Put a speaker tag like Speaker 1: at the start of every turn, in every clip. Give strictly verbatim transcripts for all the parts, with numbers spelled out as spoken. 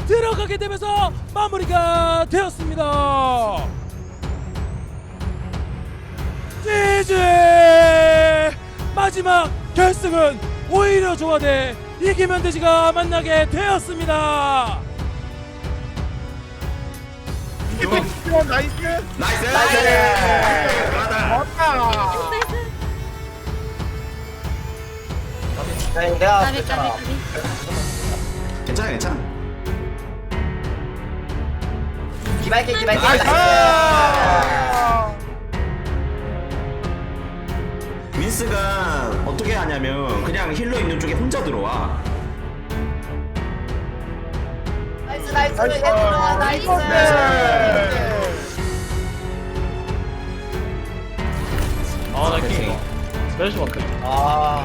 Speaker 1: 들어가게 되면서 마무리가 되었습니다. 지지! 마지막 결승은 오히려 조화대 이기면 되지가 만나게 되었습니다.
Speaker 2: 이번 나이스.
Speaker 3: 나이스!
Speaker 2: 맞다.
Speaker 4: 네, 내가
Speaker 5: 까비
Speaker 4: 그랬잖아.
Speaker 5: 까비 까비.
Speaker 3: 괜찮아 괜찮아.
Speaker 4: 기발게 기발게
Speaker 2: 나이스.
Speaker 3: 윈스가 어떻게 하냐면 그냥 힐러 있는 쪽에 혼자 들어와.
Speaker 4: 나이스 나이스
Speaker 2: 나이스.
Speaker 4: 얘들아 나이스.
Speaker 6: 아나 킹. 스페셜 마크.
Speaker 4: 아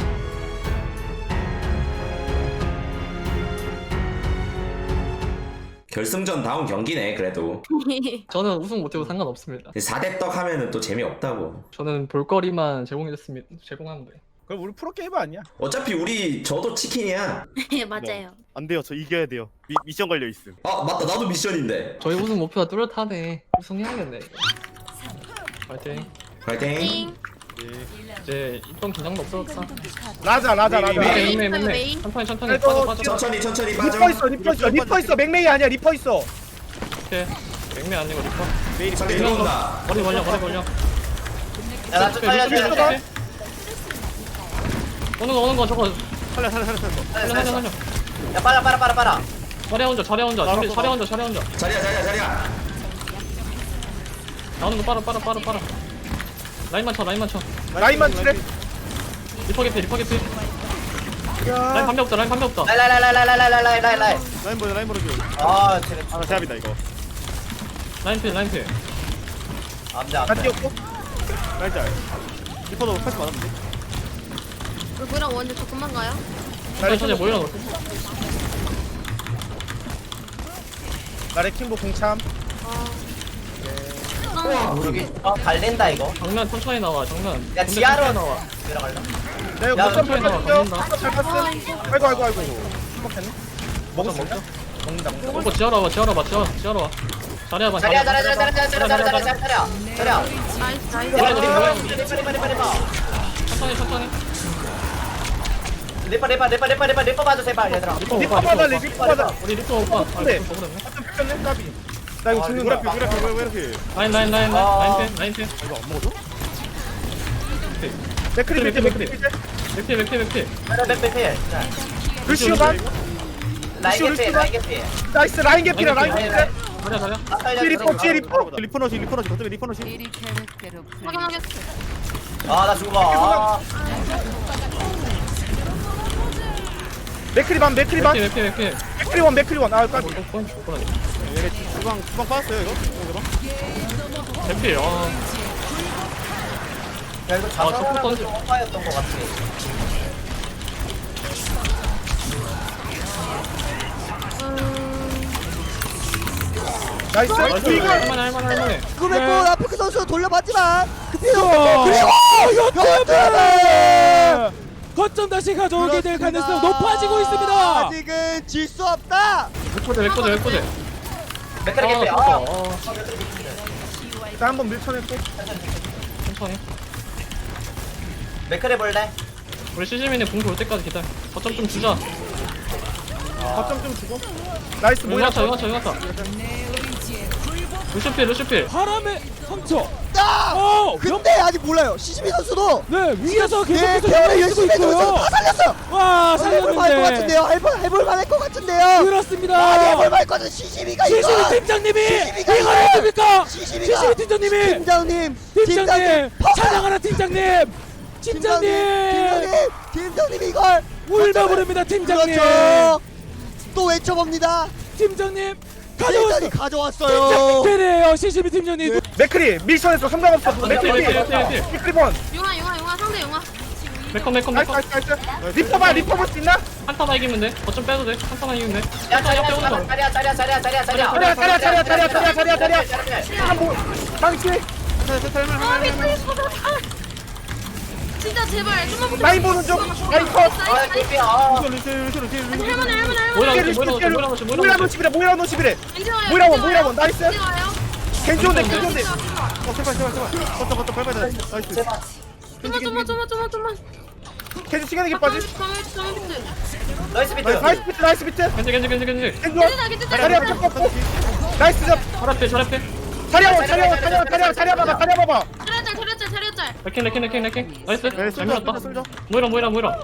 Speaker 3: 결승전 다운 경기네 그래도.
Speaker 6: 저는 우승 못해도 상관없습니다.
Speaker 3: 사 대 떡 하면은 또 재미없다고.
Speaker 6: 저는 볼거리만 제공해줬습니다. 제공하는데.
Speaker 2: 그럼 우리 프로게이머 아니야?
Speaker 3: 어차피 우리 저도 치킨이야.
Speaker 5: 네 맞아요.
Speaker 7: 안 돼요. 저 이겨야 돼요. 미, 미션 걸려 있음.
Speaker 3: 아 맞다 나도 미션인데.
Speaker 6: 저희 우승 목표가 뚜렷하네. 우승해야겠네. 이거. 파이팅.
Speaker 3: 파이팅.
Speaker 5: 띵.
Speaker 6: 이제 이번 긴장도 없어졌다.
Speaker 2: 라자 라자
Speaker 7: 메이,
Speaker 2: 라자.
Speaker 6: 메이 메이 메이 메이.
Speaker 5: 메이.
Speaker 6: 천천히 천천히
Speaker 2: 그래도
Speaker 6: 빠져 빠져.
Speaker 3: 천천히 천천히 빠져.
Speaker 2: 리퍼 있어 리퍼 있어 리퍼 있어 맥메이 아니야 리퍼 있어.
Speaker 6: 오케이. 맥메 아니고 리퍼.
Speaker 7: 메일이
Speaker 3: 상대
Speaker 7: 메일이
Speaker 3: 들어온다.
Speaker 6: 머리 걸려 머리 걸려.
Speaker 4: 야나 좀 살려줘. 살려줘.
Speaker 6: 오는 거 오는 거 저거
Speaker 7: 살려 살려 살려 살려.
Speaker 6: 살려 살려 살려.
Speaker 4: 야 빨라 빨라 빨라 빨라.
Speaker 6: 자리 혼자 자리 혼자 자리 자리 혼자 자리 혼자.
Speaker 3: 자리야 자리야 자리야.
Speaker 6: 나오는 거 빨아 빨아 빨아 빨아. 라인만 쳐 라인만 쳐.
Speaker 2: 라인만 칠해.
Speaker 6: 리퍼 개피 리퍼 개피. 라인 반대 없다 라인 반대 없다.
Speaker 4: 라이라이라이라이라이라이라이.
Speaker 7: 라인 보여 라인 보여 줘.
Speaker 4: 아 쟤네
Speaker 7: 아 제압이다 이거.
Speaker 6: 라인 필 라인 필.
Speaker 4: 안돼
Speaker 2: 다
Speaker 4: 안돼.
Speaker 2: 뛰었고.
Speaker 7: 라인 짤. 리퍼도 패스 많았는데.
Speaker 5: 물구랑 원주 조금만 가요.
Speaker 6: 천천히 천천히 모여라.
Speaker 2: 나 레킹보 공참.
Speaker 4: 어 갈린다 이거.
Speaker 6: 정면 천천히 나와 정면.
Speaker 4: 야
Speaker 6: 근데
Speaker 4: 지하로
Speaker 6: 천천히 나와.
Speaker 4: 들어갈라.
Speaker 2: 내가
Speaker 4: 야,
Speaker 2: 거점
Speaker 6: 천천히 나와,
Speaker 2: 밟았어.
Speaker 6: 걸린다.
Speaker 2: 잘 봤어. 아이고 아이고 아이고. 행복했네. 먹었어 먹자. 먹는다 먹는다.
Speaker 6: 오빠 지하로 와봐 지하로 와봐 지하로 지하로 와. 자리 와봐
Speaker 4: 자리야 자리야 자리야 자리야 자리야 자리야 자리야 자리야 자리야.
Speaker 5: 나이스 나이스.
Speaker 6: 뭐야, 뭐야, 뭐야.
Speaker 4: 리퍼 리퍼 리퍼 리퍼.
Speaker 6: 천천히 천천히.
Speaker 4: 리퍼 리퍼 리퍼 리퍼 리퍼 리퍼 봐줘 제발 얘들아.
Speaker 6: 리퍼
Speaker 2: 리퍼
Speaker 6: 오빠
Speaker 2: 받아
Speaker 6: 리퍼
Speaker 2: 리퍼
Speaker 6: 오빠.
Speaker 2: 받아.
Speaker 6: 우리 리퍼 오빠. 아
Speaker 2: 근데.
Speaker 6: 리퍼 먹었네.
Speaker 2: 어쩜 뺏겼네 까비. 나 이거
Speaker 4: 아,
Speaker 2: 죽는다.
Speaker 7: 누구라 피 누구라 피왜 이렇게.
Speaker 6: 라인 라인 라인
Speaker 4: 아.
Speaker 6: 라인 라인 필 라인 필.
Speaker 7: 이거 안 먹어줘?
Speaker 2: 맥크리 밑에
Speaker 6: 맥크리,
Speaker 2: 맥크리 밑에.
Speaker 6: 맥필 맥필 맥필.
Speaker 4: 백백백.
Speaker 2: 루시오 반.
Speaker 4: 라인 개피 라인 개피.
Speaker 2: 나이스 라인 개피라 라인
Speaker 6: 라인
Speaker 2: 개피.
Speaker 6: 자리야 자리야.
Speaker 4: 아
Speaker 2: 뒤에 리퍼 뒤에 리퍼.
Speaker 7: 리퍼 넣지 리퍼 넣지 어차피 리퍼 넣지.
Speaker 5: 확인하겠어.
Speaker 4: 아나 죽어. 아,
Speaker 2: 맥크리 반 맥크리 반.
Speaker 6: 맥필 맥필 맥필.
Speaker 2: 맥크리 원 맥크리 원. 아 까비.
Speaker 6: 어, 뻔 죽어라니.
Speaker 7: 얘네 주방 주방 빠졌어요 이거. 이거
Speaker 6: 맥필. 아
Speaker 4: 야 이거
Speaker 6: 아, 저거
Speaker 4: 자살하는
Speaker 6: 던져.
Speaker 4: 오빠였던 것 같아.
Speaker 2: 나이스.
Speaker 6: 나이스.
Speaker 2: 이거
Speaker 6: 할만해 할만해 할만해.
Speaker 8: 그랬고 라프크 선수 돌려봤지만 급해요.
Speaker 1: 그리고
Speaker 8: 역전패!
Speaker 1: 거점 다시 가져오게 될 가능성 높아지고 있습니다.
Speaker 8: 아직은 질 수 없다.
Speaker 6: 맥코제 맥코제 맥코제.
Speaker 4: 맥크리 개피.
Speaker 6: 아
Speaker 4: 아.
Speaker 6: 좋다.
Speaker 2: 자 한번 밀쳐냈고.
Speaker 6: 천천히.
Speaker 4: 맥크리 볼래?
Speaker 6: 우리 시즈민이 공 돌 때까지 기다려. 거점 좀 주자.
Speaker 2: 거점 좀 주고. 나이스 뭐야?
Speaker 6: 용하차 용하차 용하차. 루시필 루시필.
Speaker 1: 바람의 상처.
Speaker 8: 아!
Speaker 1: 어,
Speaker 8: 근데 아직 몰라요. 시즈미 선수도
Speaker 1: 네 위에서
Speaker 8: 네,
Speaker 1: 계속해서
Speaker 8: 개월
Speaker 1: 연락이
Speaker 8: 열심히
Speaker 1: 있고
Speaker 8: 해주면서
Speaker 1: 있고요.
Speaker 8: 다 살렸어요.
Speaker 1: 와
Speaker 8: 해볼 만할 것
Speaker 1: 살렸는데.
Speaker 8: 같은데요. 해볼 해볼 만할 것 같은데요.
Speaker 1: 그렇습니다.
Speaker 8: 아, 해볼 만할 것 같은 시즈미가 이거.
Speaker 1: 시시미 팀장님이
Speaker 8: 시시미가
Speaker 1: 이걸
Speaker 8: 이거.
Speaker 1: 해줍니까?
Speaker 8: 시즈미가
Speaker 1: 시시미 팀장님이
Speaker 8: 팀장님,
Speaker 1: 팀장님
Speaker 8: 퍼-
Speaker 1: 찬양하라 팀장님. 팀장님
Speaker 8: 팀장님, 팀장님 이걸
Speaker 1: 울다 부릅니다 팀장님.
Speaker 8: 그렇죠. 또 외쳐봅니다.
Speaker 1: 팀장님
Speaker 8: 팀장님
Speaker 1: 가져왔어.
Speaker 8: 가져왔어요.
Speaker 1: 팀장님이에요 시시미 팀장님.
Speaker 2: 맥크리 밀쳐냈어. 상관없어. 맥크리.
Speaker 6: 맥크리, 맥크리, 맥크리.
Speaker 2: 맥크리 번.
Speaker 5: 용화 용화 용화 상대 용화.
Speaker 6: 맥컴 맥컴
Speaker 2: 나이스
Speaker 6: 맥컴.
Speaker 2: 나이스 나이스. 리퍼 봐 리퍼 볼 수 있나?
Speaker 6: 한타만 이기면 돼. 거점 빼도 돼. 한타만 이기면 돼.
Speaker 4: 야
Speaker 6: 한타
Speaker 4: 자리야
Speaker 6: 옆에 오는 거.
Speaker 4: 자리야 자리야 자리야 자리야 자리야.
Speaker 2: 자리야, 자리야, 자리야, 자리야, 자리야, 자리야, 자리야. 아 뭐? 망치.
Speaker 5: 아 미친. 진짜 제발 좀만 붙여.
Speaker 2: 라인 보는 중. 라인 컷.
Speaker 4: 아 개피야 아
Speaker 7: 루시 루시 루시 루시
Speaker 5: 할만해 할만해
Speaker 6: 모이라
Speaker 5: 할만해.
Speaker 6: 놓지 모이라 놓지 모이라 놓지
Speaker 2: 모이라
Speaker 6: 모이라 놓지
Speaker 2: 노십이래 모이라 노십이래.
Speaker 5: 괜찮아요.
Speaker 2: 모이라원,
Speaker 5: 괜찮아요.
Speaker 2: 모이라원, 나이스.
Speaker 5: 괜찮아요.
Speaker 2: 겐지 온대 겐지 온대.
Speaker 7: 어 제발 제발 제발 걷다 걷다 밟아야 돼 나이스
Speaker 4: 제발
Speaker 5: 좀만 좀만 좀만 좀만 좀만.
Speaker 2: 겐지 시간이 빠지.
Speaker 5: 가만히 가만히 비트.
Speaker 4: 나이스 비트
Speaker 2: 나이스 비트 나이스 비트.
Speaker 6: 겐지 겐지 겐지 겐지
Speaker 2: 겐지 원.
Speaker 5: 괜찮아 괜찮아.
Speaker 2: 자리야 잡고. 나이스 잡.
Speaker 6: 잘합해 잘합해
Speaker 2: 자리야 원 자리야 원 자리야 원 자리야 자리야 봐봐 자리야 봐봐.
Speaker 5: 차려짤 차려짤 차려짤.
Speaker 6: 레킹 레킹 레킹 레킹 나이스
Speaker 7: 네,
Speaker 6: 잘 밀었다
Speaker 7: 쏠져, 쏠져.
Speaker 6: 모이라 모이라 모이라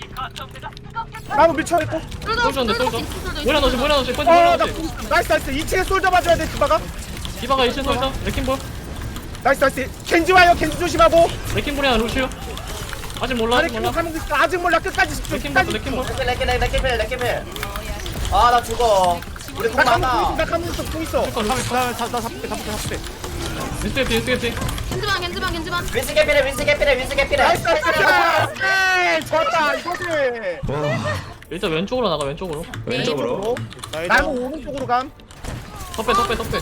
Speaker 2: 나무 밀쳐 있고.
Speaker 6: 솔져 온다 솔져 모이라 놓지 모이라 놓지 포인트 모이라
Speaker 2: 어나
Speaker 6: 놓지
Speaker 2: 나이스 나이스 이 층에 솔져 봐줘야 돼 디바가.
Speaker 6: 디바가 이 층 솔져 레킹볼
Speaker 2: 나이스 나이스. 겐지 와요 겐지 조심하고.
Speaker 6: 레킹볼이야 루시오 아직 몰라
Speaker 2: 아래
Speaker 6: 아직
Speaker 2: 킹
Speaker 6: 몰라
Speaker 2: 하는 거 있어. 아직 몰라 끝까지 집중.
Speaker 6: 레킹볼
Speaker 2: 끝까지.
Speaker 6: 레킹볼
Speaker 4: 레켓 레켓 레켓 레켓 레켓 아나 죽어 우리 공
Speaker 2: 나 가면
Speaker 4: 많아
Speaker 2: 나 가면 있어 공 있어.
Speaker 7: 나나 잡을게 잡을게 잡을게
Speaker 6: 윈스 개피 윈스 개피
Speaker 5: 겐지만 겐지만 겐지만.
Speaker 4: 윈스 개피래 윈스 개피래 윈스 개피래
Speaker 2: 나이스 나이스. 에이, 좋았다 이거지.
Speaker 6: 일단 왼쪽으로 나가 왼쪽으로
Speaker 3: 왼쪽으로.
Speaker 2: 나무 오른쪽으로 감.
Speaker 6: 덮배 덮배 덮배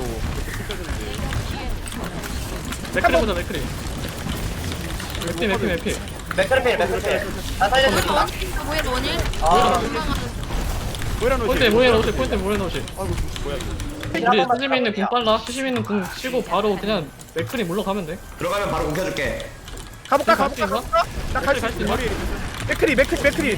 Speaker 6: 맥크리 보자 맥크리 맥피 맥피 맥피
Speaker 4: 맥크리필 맥크리필 나 살려줄까?
Speaker 5: 뭐야 원일.
Speaker 4: 아
Speaker 7: 뭐라 놓지
Speaker 6: 포인트 모이라 놓지 포인트 모이라 놓지
Speaker 7: 아이고 뭐야
Speaker 6: 우리 수심 있는 궁 빨라 수심 있는 궁 치고 바로 그냥 맥크리 물러가면 돼
Speaker 3: 들어가면 바로 공켜줄게.
Speaker 2: 가볼까
Speaker 6: 갈수
Speaker 2: 가볼까
Speaker 6: 있나?
Speaker 2: 가볼까. 나갈 수
Speaker 6: 갈수
Speaker 2: 있어.
Speaker 6: 있나?
Speaker 2: 맥크리 맥크리 맥크리.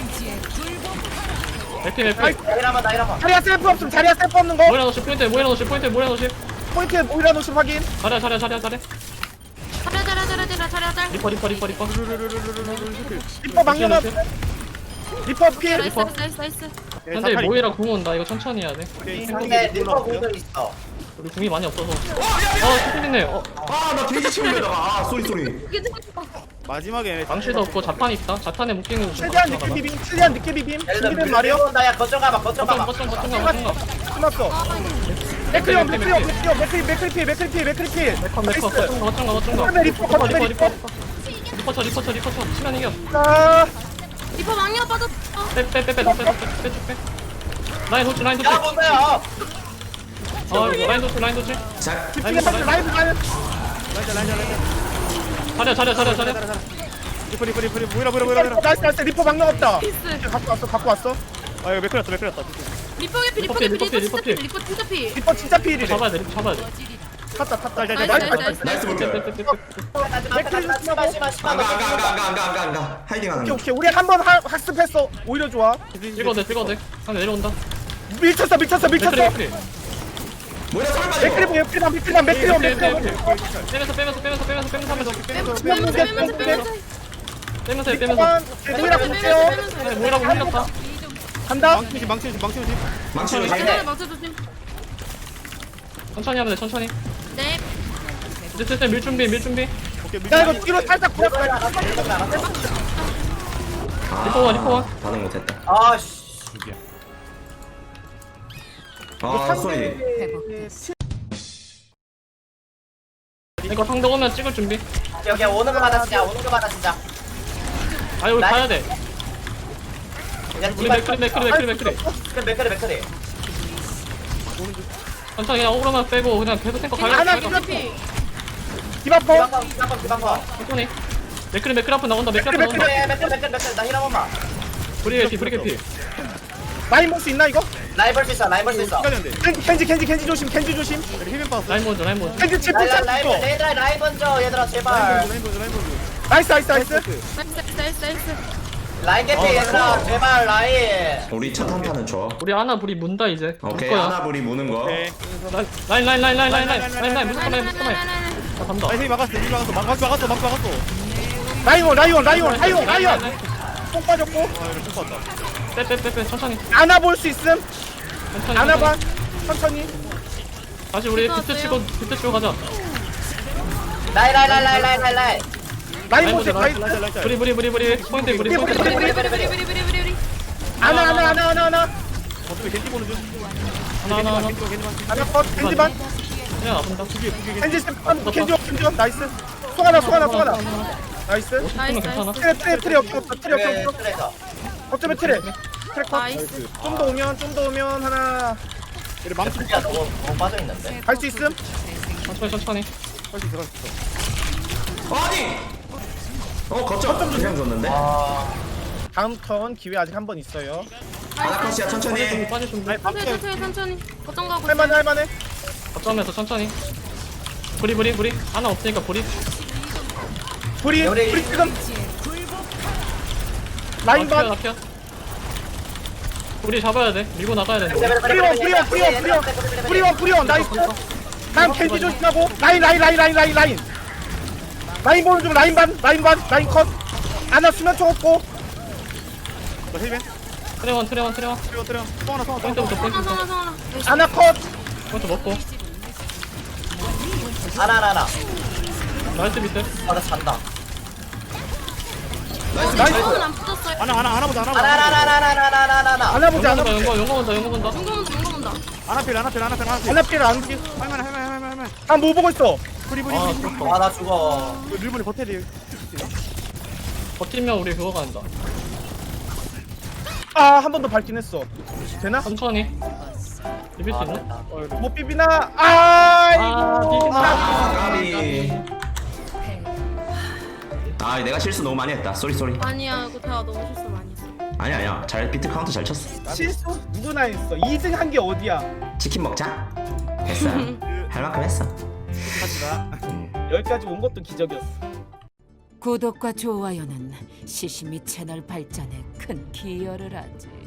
Speaker 6: 맥피 맥피
Speaker 4: 나 이라마 나 이라마
Speaker 2: 자리야 셀프 없음 자리야 셀프 없는 거.
Speaker 6: 모이라 놓지 포인트 모이라 놓지 포인트 모이라 놓지
Speaker 2: 포인트 모이라 노심 확인.
Speaker 6: 잘해 잘해 잘해 잘해
Speaker 5: 차려 차려 차려 차려 차려 짤.
Speaker 6: 리퍼 리퍼 리퍼 리퍼
Speaker 2: 리퍼 망령 앞. 리퍼 피해.
Speaker 5: 나이스 나이스 나이스 나이스.
Speaker 6: 근데 모이라 궁 온다 이거 천천히 해야 돼
Speaker 4: 근데 리퍼 공도 있어
Speaker 6: 우리 궁이 많이 없어서 어 스피드네 어
Speaker 3: 아, 나 돼지 치우려다가. 아, 쏘리, 쏘리.
Speaker 5: 이게
Speaker 7: 마지막에
Speaker 6: 망치도 없고 자탄 있다 자탄에 묶이는 거
Speaker 2: 최대한 늦게 비빔 최대한 늦게 비빔.
Speaker 4: 얘들
Speaker 2: 준비된 말이요.
Speaker 4: 온다 야 거점 가봐 거점
Speaker 6: 거점
Speaker 4: 가봐
Speaker 6: 거점 거점 가 거점 가
Speaker 2: 끝났어. 맥크리 형 맥크리 형 맥크리 형 맥크리 맥크리 피해 맥크리 피해 맥크리 피해.
Speaker 6: 메커 메커 거점 가 거점 가 거점 가
Speaker 2: 거점에 리퍼, 거점에
Speaker 6: 리퍼
Speaker 2: 리퍼.
Speaker 6: 리퍼 리퍼 쳐 리퍼 쳐 리퍼 쳐 시간 이겨
Speaker 2: 자.
Speaker 5: 리퍼 망령 빠졌어.
Speaker 6: 빼빼빼빼빼빼빼빼 라인 도치 라인 도치
Speaker 4: 야 뭔데요
Speaker 6: 어 라인 도치 라인 도치
Speaker 3: 자,
Speaker 2: 집중해 빨리 라이브 가는.
Speaker 7: 라이자 라이자 라이자
Speaker 6: 잘해 잘해 잘해 잘해
Speaker 7: 리퍼 리퍼 리퍼 리퍼 뭐라 뭐라 뭐라 뭐라
Speaker 2: 나이스 나이스 리퍼 망령 없다.
Speaker 5: 피스.
Speaker 2: 갖고 왔어 갖고 왔어.
Speaker 7: 아 이거 맥클렸다 맥클렸다
Speaker 5: 리퍼 개피 리퍼
Speaker 6: 리퍼
Speaker 5: 개피
Speaker 6: 피,
Speaker 5: 리퍼
Speaker 6: 리퍼
Speaker 5: 진짜
Speaker 6: 피,
Speaker 5: 피 리퍼 진짜 피.
Speaker 2: 리퍼 진짜 피일이래.
Speaker 6: 잡아야 돼 리퍼 잡아야 돼
Speaker 2: 탔다 탔다.
Speaker 7: 나이스,
Speaker 2: 나이스
Speaker 5: 나이스,
Speaker 2: 나이스.
Speaker 3: 나이스 볼게.
Speaker 6: 빼빼빼빼
Speaker 4: 씨발 씨발 씨발
Speaker 3: 안 가, 안 가, 안 가, 안 가, 안 가, 안 가. 하이딩 하는
Speaker 2: 오케이
Speaker 3: 거.
Speaker 2: 오케이 우리 한 번 학습했어. 오히려 좋아.
Speaker 6: 찍어도 돼 찍어도 돼 하나 내려온다
Speaker 2: 밀쳤어 밀쳤어 밀쳤어.
Speaker 6: 맥크리 맥크리
Speaker 3: 뭐야, 쏠 빠져.
Speaker 2: 맥크리 맥크리만 맥크리만 맥크리만 맥크리만.
Speaker 6: 빼면서 빼면서 빼면서 빼면서 빼면서 하면 돼
Speaker 5: 빼면서 빼면서 빼면서 빼면서.
Speaker 6: 빼면서 해 빼면서
Speaker 2: 리퍼만 모이라 볼게요.
Speaker 6: 네, 뭐라고 흘렸다
Speaker 2: 간다.
Speaker 7: 망치지 망치지 망치지
Speaker 3: 망치로
Speaker 6: 망치.
Speaker 3: 지
Speaker 5: 네, 맞춰 조심.
Speaker 6: 천천히 하면 돼 천천히
Speaker 5: 네.
Speaker 6: 이제 슬슬 밀 준비 밀 준비
Speaker 7: 오케이
Speaker 2: 야 이거 뒤로 살짝
Speaker 4: 이거
Speaker 2: 보였어.
Speaker 4: 알았어 이거 알았어
Speaker 6: 리퍼 원 리퍼 원
Speaker 3: 반응 못했다.
Speaker 4: 아씨
Speaker 3: 아, 쏘리.
Speaker 6: 이거 상대 오면 찍을 준비
Speaker 4: 오케이 오케이 오는 거 받아 진짜 오는 거 받아 진짜
Speaker 6: 아니 우리
Speaker 4: 나-
Speaker 6: 가야 돼
Speaker 4: 그냥
Speaker 6: 우리
Speaker 4: 디바
Speaker 6: 맥크리 맥크리 맥크리 맥크리
Speaker 4: 맥크리 맥크리
Speaker 6: 천천히 그냥 오로만 빼고 그냥 계속 탱커 가야
Speaker 2: 하나
Speaker 6: 돼
Speaker 2: 뒤로
Speaker 5: 피.
Speaker 2: 디바퍼.
Speaker 4: 디바커 디바커 디바커
Speaker 6: 천천히 맥크리 맥크리 앞으로 나온다 맥크리 앞으로 나온다
Speaker 4: 맥크리 맥크리 맥크리 맥크리 나 힐한 번만
Speaker 6: 브리게 피 브리게 피
Speaker 2: 라인 볼수 있나 이거?
Speaker 4: 라인 볼수 있어 라인 볼수 있어
Speaker 7: 시간이 안돼
Speaker 2: 켄지 켄지 켄지 켄지 조심 ken지 조심.
Speaker 7: 힐맨 빠졌어
Speaker 6: 라인 먼저 라인 먼저
Speaker 2: 켄지 칩
Speaker 4: 라인
Speaker 2: 붙잡
Speaker 4: 라인
Speaker 2: 있어.
Speaker 4: 라인 라인 라인 먼저 얘들아 제발
Speaker 7: 라인 보즈 라인 보즈
Speaker 2: 나이스 나이스 나이스.
Speaker 5: 나이스 나이스 나이스.
Speaker 4: 라인 개피 얘들아 제발 라인
Speaker 3: 우리 첫 한타는 줘.
Speaker 6: 우리 아나 불이 문다 이제
Speaker 3: 오케이,
Speaker 6: 물 거야.
Speaker 3: 하나불이 무는 거.
Speaker 7: 오케이
Speaker 6: 라인 라인 라인 라인 라인 라인 라인 라인 무조건 라인 무조건 라인
Speaker 5: 라인.
Speaker 6: 자 간다
Speaker 7: 라인 막았어 힐 막았어 막 막았어 막았어 막았어
Speaker 2: 라이온 라이온 라이온 라이온 라이온. 뽕 빠졌고.
Speaker 7: 아 이거 총 봤다
Speaker 6: 빼빼빼빼 천천히
Speaker 2: 안아 볼 수 있음.
Speaker 6: 천천히
Speaker 2: 안아 봐.
Speaker 6: 천천히.
Speaker 2: 천천히.
Speaker 6: 다시 우리 비트 치고 비트 치고 가자
Speaker 4: 라인 라인 라인 라인 라인 라인 라인
Speaker 2: 라인 보세 라인.
Speaker 7: 라이자 라이자
Speaker 6: 브리 브리 브리 브리 포인트 브리 포인트
Speaker 2: 브리, 브리,
Speaker 6: 브리
Speaker 5: 브리 브리 브리 브리 브리 브리.
Speaker 2: 안아 안아 안아 안아 안아.
Speaker 7: 어떻게 겐지 보는 중
Speaker 6: 하나 하나 하나
Speaker 7: 겐지 겐지
Speaker 2: 안아 컷 켄지만.
Speaker 6: 그냥 아픈다
Speaker 2: 켄지 쌤 켄지 켄지 나이스. 송하나 송하나 송하나. 나이스.
Speaker 5: 나이스
Speaker 6: 오십 괜찮아
Speaker 5: 나이스.
Speaker 2: 트레 트레 트레 없어 없어 트레 없어
Speaker 4: 그래
Speaker 2: 없어.
Speaker 4: 그래서
Speaker 2: 어쩌면 트레. 트레 컷.
Speaker 5: 나이스.
Speaker 2: 좀 더 오면 좀 더 오면 하나
Speaker 7: 얘를 망치
Speaker 4: 야 너무 너무 빠져있는데
Speaker 2: 갈 수 있음.
Speaker 6: 천천히 천천히
Speaker 7: 할수 있어 할수 있어
Speaker 3: 아니! 어 거점 그냥 줬는데.
Speaker 2: 아 다음 턴 기회 아직 한 번 있어요.
Speaker 3: 아나컷이야 천천히.
Speaker 6: 빠질 준비.
Speaker 2: 아니
Speaker 5: 천천히
Speaker 2: 방패
Speaker 5: 천천히 천천히 거점 가고
Speaker 2: 할만해 할만해.
Speaker 6: 거점에서 천천히. 브리 브리 브리. 하나 없으니까 브리.
Speaker 2: 불이
Speaker 4: 우리-
Speaker 2: 불이 지금 라인 반.
Speaker 6: 나 피어. 우리 잡아야 돼. 밀고 나가야 돼.
Speaker 2: 프리원 프리원 프리원 프리원 프리원 프리원 나이스. 다음 캔디 조심하고 라인 라인 라인 라인 라인 라인 라인 보는 중 라인 반 라인 반 라인 컷. 아나 수면 총 없고.
Speaker 7: 너 힐맨
Speaker 6: 트레원 트레원 트레원.
Speaker 7: 때려 때려 성하나 성하나
Speaker 6: 포인트부터
Speaker 5: 성아 성아
Speaker 6: 포인트부터.
Speaker 5: 성아
Speaker 2: 아나 컷.
Speaker 6: 포인트 먹고.
Speaker 4: 하나 하나 하나.
Speaker 6: 나이스 비트.
Speaker 4: 아나 잔다.
Speaker 5: 나이스
Speaker 2: 나이스.
Speaker 5: 안 붙었어요
Speaker 7: 하나 하나 하나 보자 하나
Speaker 4: 하나 하나 하나 하나 하나 하나 하나 하나.
Speaker 2: 아나 보자 아나
Speaker 6: 용거
Speaker 2: 보자.
Speaker 6: 본다 용거 용거 본다 용거 본다.
Speaker 5: 용거 본다 용거 본다
Speaker 7: 하나 필 하나 필 하나 필 하나 필
Speaker 2: 아나 필 안 피.
Speaker 7: 할만해 할만해 할만해 할만해
Speaker 2: 아뭐 보고 있어.
Speaker 7: 브리 브리
Speaker 6: 아
Speaker 7: 브리
Speaker 6: 죽었다.
Speaker 4: 아나 죽어.
Speaker 7: 일본이 버텨리
Speaker 6: 버티면 우리 그거 간다.
Speaker 2: 아 한 번 더 밟긴 했어. 되나?
Speaker 6: 천천히. 비빌 수
Speaker 4: 아
Speaker 6: 있나?
Speaker 4: 됐다.
Speaker 2: 못 비비나? 아
Speaker 6: 아
Speaker 2: 이거.
Speaker 6: 비긴다.
Speaker 3: 아 까비. 아 내가 실수 너무 많이 했다. 쏘리 쏘리.
Speaker 5: 아니야 이거 대화 너무 실수 많이 했어
Speaker 3: 아니야 아니야. 잘 비트 카운터 잘 쳤어.
Speaker 2: 실수 누구나 했어. 이 등 한 게 어디야?
Speaker 3: 치킨 먹자. 됐어. 할 만큼 했어.
Speaker 2: 여기까지 온 것도 기적이었어.
Speaker 9: 구독과 좋아요는 시시미 채널 발전에 큰 기여를 하지.